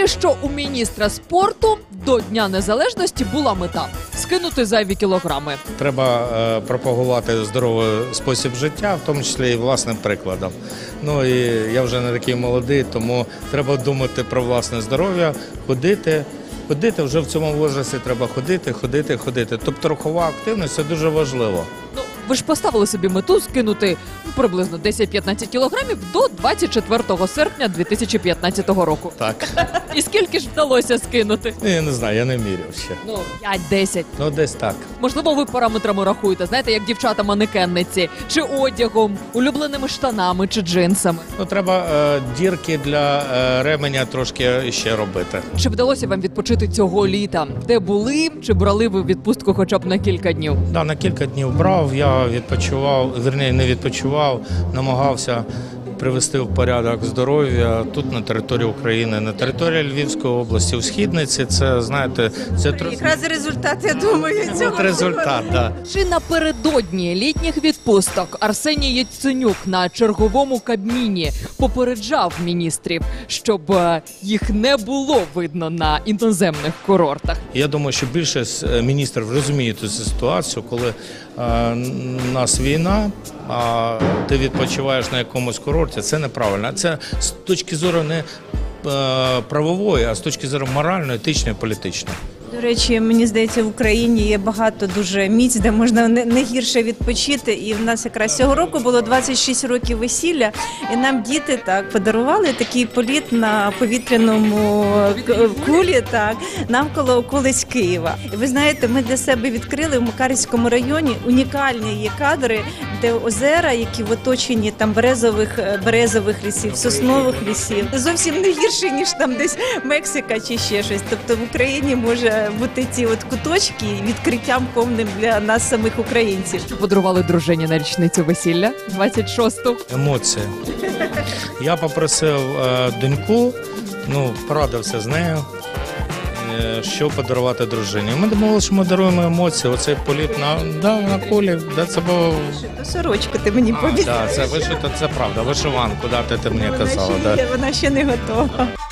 Поки що у міністра спорту до Дня Незалежності була мета – скинути зайві кілограми. Треба пропагувати здоровий спосіб життя, в тому числі і власним прикладом. Ну і я вже не такий молодий, тому треба думати про власне здоров'я, ходити. Ходити вже в цьому возрасті треба ходити. Тобто рухова активність – це дуже важливо. Ну, ви ж поставили собі мету скинути приблизно 10-15 кілограмів до 24 серпня 2015 року. Так. І скільки ж вдалося скинути? Я не знаю, я не міряв ще. Ну, 5-10. Ну, десь так. Можливо, ви параметрами рахуєте, знаєте, як дівчата-манекенниці, чи одягом, улюбленими штанами, чи джинсами. Ну, треба дірки для ременя трошки ще робити. Чи вдалося вам відпочити цього літа? Де були? Чи брали ви відпустку хоча б на кілька днів? Да, на кілька днів брав, я відпочивав, вірніше не відпочивав, намагався привести в порядок здоров'я тут на території України, на території Львівської області, у Східниці. Це, знаєте, це Якраз результат, я думаю, цього. результат, да. Чи напередодні літніх відпусток Арсеній Яценюк на черговому Кабміні попереджав міністрів, щоб їх не було видно на іноземних курортах? Я думаю, що більшість міністрів розуміють цю ситуацію, коли у нас війна, а ти відпочиваєш на якомусь курорті, це неправильно. Це з точки зору не правової, а з точки зору моральної, етичної, політичної. До речі, мені здається, в Україні є багато дуже місць, де можна не гірше відпочити. І в нас якраз цього року було 26 років весілля, і нам діти так подарували такий політ на повітряному кулі, так, навколо околиць Києва. І ви знаєте, ми для себе відкрили в Макарівському районі унікальні є кадри, де озера, які в оточенні там березових лісів, соснових лісів. Зовсім не гірше, ніж там десь Мексика чи ще щось. Тобто в Україні може бути ці от куточки відкриттям повним для нас самих українців. Подарували дружині на річницю весілля 26-ту. Емоції. Я попросив доньку, порадився з нею, що подарувати дружині. Ми думали, що ми даруємо емоції. Оцей політ на кулі, це було... Сорочку ти мені пообіцяв. Так, це правда, вишиванку, ти мені казала. Вона ще не готова.